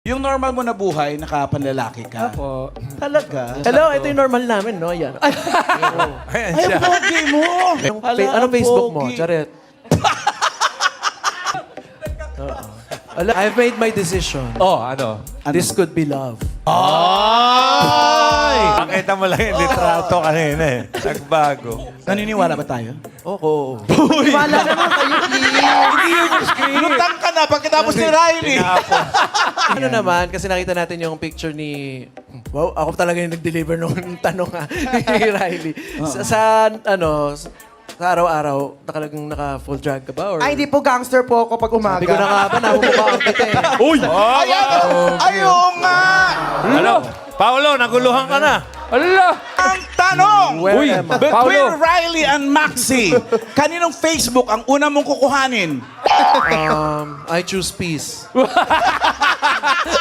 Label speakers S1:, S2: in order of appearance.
S1: Yung normal mo na buhay, nakapanlalaki ka.
S2: Opo.
S1: Talaga?
S3: Hello, ito yung normal namin, no? Yan. Ay,
S4: Ayan
S1: Ay,
S4: siya.
S1: ang pogi mo!
S3: anong Facebook mo?
S1: pogi.
S3: Charet. I've made my decision.
S4: Oh, ano?
S3: This could be love.
S4: Ay! Pakita mo lang yung litrato kanina eh. Nagbago.
S1: Naniniwala ba tayo?
S3: Oo.
S1: Wala naman kayo. Hindi yun yung script. Lutang ka na pagkatapos ni Riley.
S3: Ano naman, kasi nakita natin yung picture ni... Wow, ako talaga yung nag-deliver nung tanong ni Riley. Sa araw-araw, talagang naka-full drag ka ba? Or...
S5: Ay, hindi po gangster po ako pag umaga.
S3: Sabi ko na nga ba, namumukhaan kita eh.
S1: Ayaw nga!
S4: Ano? Paolo, naguluhan ka na.
S2: Ala!
S1: Ang tanong!
S3: Where
S2: Uy,
S3: am I?
S1: Between
S2: Paolo.
S1: Riley and Maxi, kaninong Facebook ang una mong kukuhanin?
S3: I choose peace.